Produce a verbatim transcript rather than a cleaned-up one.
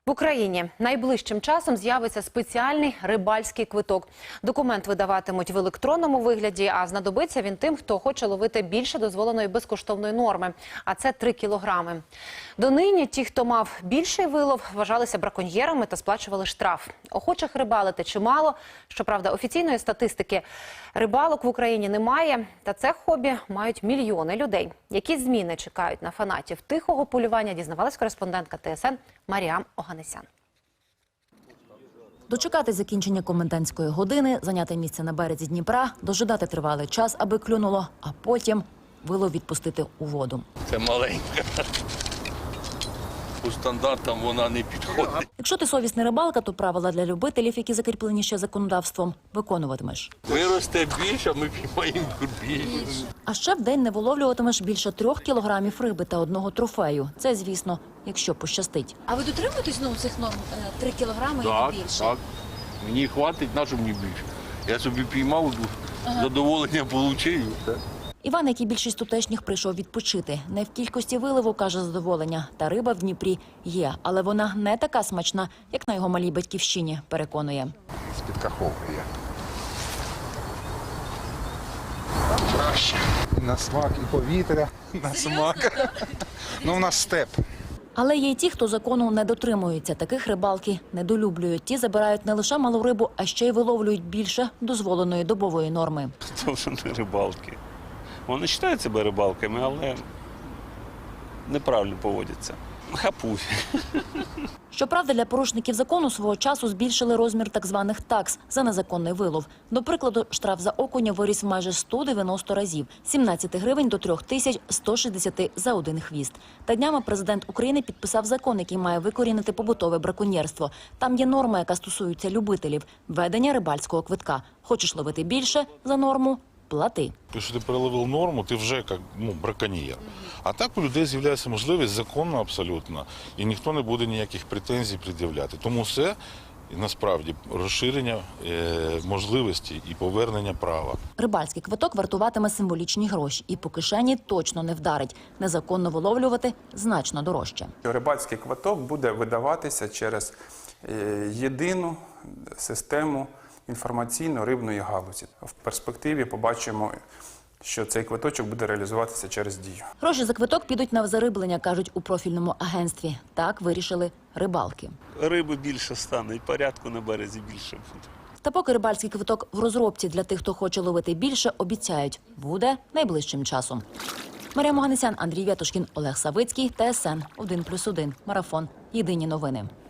В Україні найближчим часом з'явиться спеціальний рибальський квиток. Документ видаватимуть в електронному вигляді, а знадобиться він тим, хто хоче ловити більше дозволеної безкоштовної норми, а це три кілограми. Донині ті, хто мав більший вилов, вважалися браконьєрами та сплачували штраф. Охочих рибалити чимало. Щоправда, офіційної статистики рибалок в Україні немає, та це хобі мають мільйони людей. Які зміни чекають на фанатів тихого полювання, дізнавалась кореспондентка Т С Н Маріам Оганесян. Дочекати закінчення комендантської години, зайняти місце на березі Дніпра, дожидати тривалий час, аби клюнуло, а потім вилов відпустити у воду. Це маленька. По стандартам вона не підходить. Якщо ти совісний рибалка, то правила для любителів, які закріплені ще законодавством, виконуватимеш. Виросте більше, ми піймаємо більше. А ще в день не виловлюватимеш більше трьох кілограмів риби та одного трофею. Це, звісно, якщо пощастить. А ви дотримуєтесь ну, цих норм? Три кілограми Так, і більше? так. Мені хватить, на що мені більше. Я собі піймав, ага. задоволення отримав. Іван, як і більшість тутешніх, прийшов відпочити. Не в кількості виливу, каже, задоволення. Та риба в Дніпрі є, але вона не така смачна, як на його малій батьківщині, переконує. З-під каховки є. Краще. На смак і повітря, на смак. Ну, у нас степ. Але є й ті, хто закону не дотримуються. Таких рибалки недолюблюють. Ті забирають не лише малу рибу, а ще й виловлюють більше дозволеної добової норми. Це вже не рибалки. Вони вважають себе рибалками, але неправильно поводяться. Хапуй. Щоправда, для порушників закону свого часу збільшили розмір так званих такс за незаконний вилов. До прикладу, штраф за окуня виріс майже сто дев'яносто разів – з сімнадцяти гривень до трьох тисяч ста шістдесяти за один хвіст. Та днями президент України підписав закон, який має викорінити побутове браконьєрство. Там є норма, яка стосується любителів – ведення рибальського квитка. Хочеш ловити більше за норму – плати. Якщо ти переловив норму, ти вже як ну, браконьєр. А так у людей з'являється можливість законно абсолютно, і ніхто не буде ніяких претензій пред'являти. Тому все насправді розширення е, можливості і повернення права. Рибальський квиток вартуватиме символічні гроші і по кишені точно не вдарить. Незаконно виловлювати значно дорожче. Рибальський квиток буде видаватися через е, єдину систему інформаційно-рибної галузі. В перспективі побачимо, що цей квиточок буде реалізуватися через Дію. Гроші за квиток підуть на зариблення, кажуть у профільному агентстві. Так вирішили рибалки. Риби більше стане, і порядку на березі більше буде. Та поки рибальський квиток в розробці для тих, хто хоче ловити більше, обіцяють, буде найближчим часом. Маріам Оганесян, Андрій Вятушкін, Олег Савицький, Т С Н один плюс один. Марафон. Єдині новини.